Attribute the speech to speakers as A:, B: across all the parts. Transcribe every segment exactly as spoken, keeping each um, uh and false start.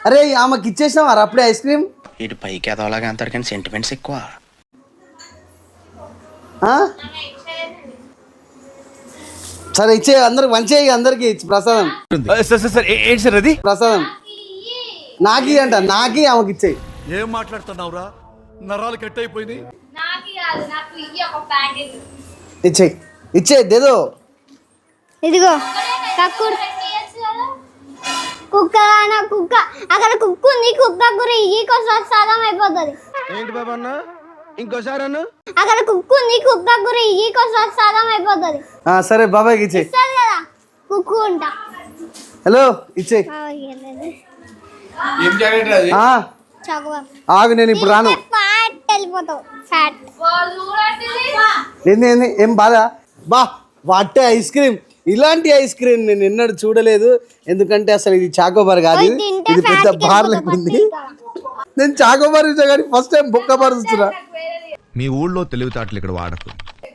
A: అరే ఆమెకి ఇచ్చేసినావా అప్పుడే ఐస్ క్రీమ్?
B: ఇటు పైకి ఎదవలాగా అంటారు కానీ సెంటిమెంట్స్ ఎక్కువ.
A: సరే ఇచ్చే అందరికి మంచి అందరికి ప్రసాదం.
C: ఏంటి సార్ అది?
A: ప్రసాదం నాకి అంట, నాకి ఆమెకి ఇచ్చేయి.
C: ఏం మాట్లాడుతున్నావురా? నరాలు కట్ అయిపోయింది.
A: ఇచ్చేయి ఇచ్చే దేదో.
D: ఇదిగో కక్కుడు కుక్క నా కుక్క అక్కడ కుక్క ఉంది. కుక్క కూర ఈకోసారి సాదం అయిపోతుంది.
E: ఏంటి బాబా అన్న ఇంకోసారి అన్న
D: అక్కడ కుక్క ఉంది. కుక్క కూర ఈకోసారి సాదం అయిపోతుంది.
A: సరే బాబాయ్కి ఇచ్చేయి.
D: ఇస్తుంది కదా కుక్క ఉంటా.
A: హలో ఇచ్చేయి. ఆగు నేను ఇప్పుడు రాను.
D: ఫ్యాట్ వెళ్ళిపోతావు. ఫ్యాట్
A: ఏంది ఏంది ఏం బాధ? బా వాటే ఐస్ క్రీమ్, ఇలాంటి ఐస్ క్రీమ్ నేను ఎన్నడూ చూడలేదు. ఎందుకంటే అసలు ఇది చాకోబార్ కాదు, ఇది పెద్ద బార్ లేకుంది. నేను చాకోబార్ ఇచ్చా కానీ ఫస్ట్ టైం బొక్క బార్ చూస్తున్నా.
F: మీ ఊళ్ళో తెలివితేటలు ఇక్కడ వాడకు.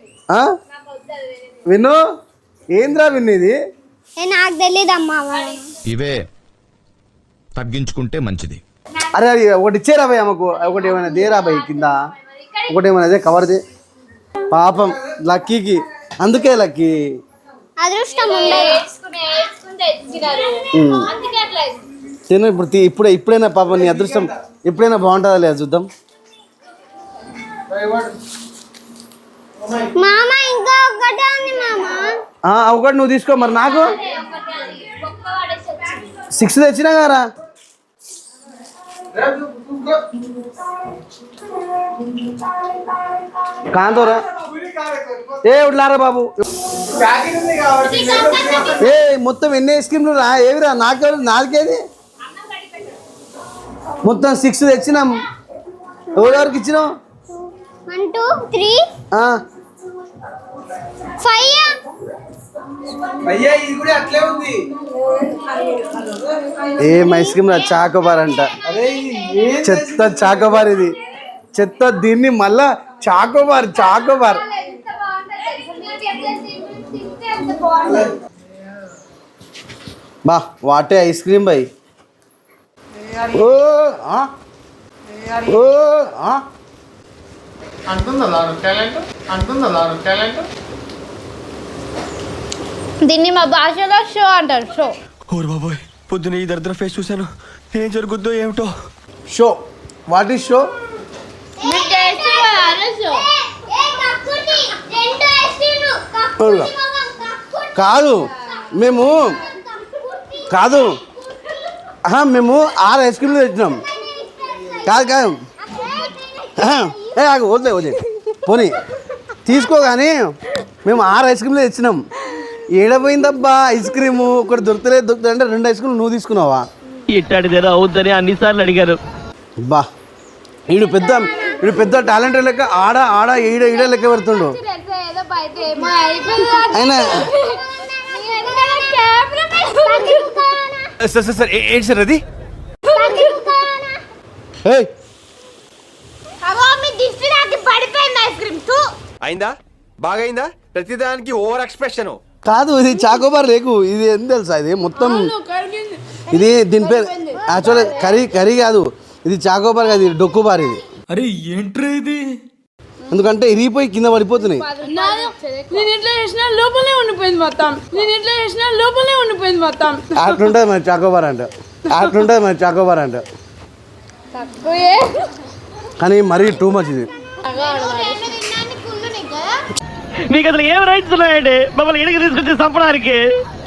A: విను ఏంద్రా విన్ను ఇది?
D: నాకు తెలియదు అమ్మా.
F: ఇవే తగ్గించుకుంటే మంచిది.
A: అరే అది ఒకటి ఇచ్చేరా భయ్ ఆమెకు, ఒకటి ఏమైనా దేరా భయ్ కింద, ఒకటి ఏమైనా అదే కవర్ దే పాపం లక్కీకి. అందుకే లక్కీ
D: అదృష్టం
A: తిను ఇప్పుడు ఇప్పుడే ఇప్పుడైనా పాపం నీ అదృష్టం ఎప్పుడైనా బాగుంటుందా లేదా చూద్దాం.
D: మామ ఇంకా ఒకటే ఉంది మామ.
A: ఒకటి నువ్వు తీసుకో. మరి నాకు సిక్స్ తెచ్చినా గారా. కాంతోరా ఏ ఉట్లారా బాబు. ఏ మొత్తం ఎన్ని ఐస్ క్రీమ్లు రా? ఏవిరా నాకు నాలుగేది మొత్తం సిక్స్ తెచ్చినాం. ఎవరెవరికి ఇచ్చినాం?
D: One two three five.
A: ఏం ఐస్ క్రీమ్ రా? చాకోబార్ అంట. చెత్త చాకోబార్ ఇది, చెత్త. దీన్ని మళ్ళా చాకోబార్ చాకోబార్. బా వాటే ఐస్ క్రీమ్ బై. ఓ ఓ
G: దీన్ని మా భాషలో షో అంటారు. షో.
E: ఓర్ బాబోయ్ పొద్దున ఈ దరిద్ర ఫేస్ చూశాను. ఏం జరుగుద్దో ఏమిటో.
A: Show what is show? కాదు మేము కాదు మేము ఆరు ఐస్ క్రీమ్లు తెచ్చినాం. కాదు కాదు ఏ ఆగు వదిలే వదిలే పోనీ తీసుకో. కానీ మేము ఆరు ఐస్ క్రీమ్లు తెచ్చినాం. ఏడపోయిందబ్బా ఐస్ క్రీము? ఒకటి దొరకలేదు దొరుకుతుంది అంటే రెండు ఐస్ క్రీమ్ నువ్వు తీసుకున్నావా?
H: ఇట్టాడిదేదో అవుద్దని అన్నిసార్లు అడిగారు.
A: బా వీడు పెద్ద వీడు పెద్ద టాలెంట్ లెక్క ఆడ ఆడ ఈడ ఈడ లెక్క పెడుతుండు. అయినా
C: ఏంటి సార్ అది?
E: అయిందా? బాగైందా? ప్రతిదానికి ఓవర్ ఎక్స్ప్రెషన్.
A: కాదు ఇది చాకోబార్ లేకు. ఇది ఏం తెలుసా? ఇది మొత్తం ఇది దీని పేరు యాక్చువల్గా కర్రీ కర్రీ కాదు ఇది, చాకోబార్ కాదు ఇది డొక్కుబార్ ఇది.
C: అరే ఏంట్రా ఇది?
A: ఎందుకంటే ఇరిగిపోయి కింద పడిపోతున్నాయి.
G: నేను ఇట్లా చేసిన లోపలే ఉండిపోయింది మొత్తం. నేను ఇట్లా చేసిన లోపలే ఉండిపోయింది మొత్తం.
A: అట్లుంటుంది మరి చాకోబార్ అంట, అట్లుంటుంది మరి చాకోబార్ అంట. కానీ మరీ టూ మచ్ ఇది.
H: మీకు అసలు ఏం రైట్స్ ఉన్నాయండి మమ్మల్ని ఇడికి తీసుకొచ్చి చంపడానికి?